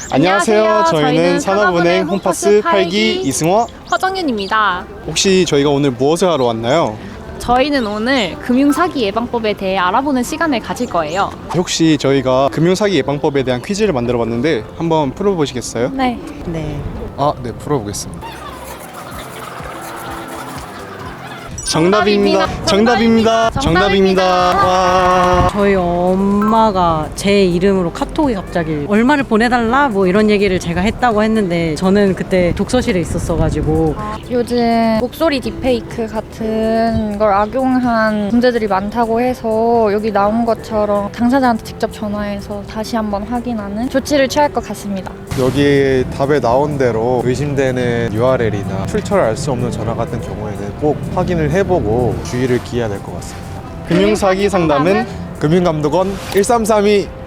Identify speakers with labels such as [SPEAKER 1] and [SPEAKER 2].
[SPEAKER 1] 안녕하세요. 저희는 산업은행 홈파스 8기 이승호.
[SPEAKER 2] 허정윤입니다.
[SPEAKER 1] 혹시 저희가 오늘 무엇을 하러 왔나요?
[SPEAKER 2] 저희는 오늘 금융사기 예방법에 대해 알아보는 시간을 가질 거예요.
[SPEAKER 1] 혹시 저희가 금융사기 예방법에 대한 퀴즈를 만들어 봤는데 한번 풀어보시겠어요?
[SPEAKER 2] 네.
[SPEAKER 3] 네.
[SPEAKER 1] 네, 풀어보겠습니다. 정답입니다. 정답입니다. 정답입니다. 와.
[SPEAKER 3] 저희 엄마가 제 이름으로 카톡이 갑자기 얼마를 보내달라 뭐 이런 얘기를 제가 했다고 했는데 저는 그때 독서실에 있었어가지고
[SPEAKER 4] 요즘 목소리 딥페이크 같은 걸 악용한 문제들이 많다고 해서 여기 나온 것처럼 당사자한테 직접 전화해서 다시 한번 확인하는 조치를 취할 것 같습니다.
[SPEAKER 5] 여기 답에 나온 대로 의심되는 URL이나 출처를 알 수 없는 전화 같은 경우에는 꼭 확인을 해보고 주의를 기해야 될 것 같습니다.
[SPEAKER 1] 금융사기 상담은
[SPEAKER 5] 금융감독원 1332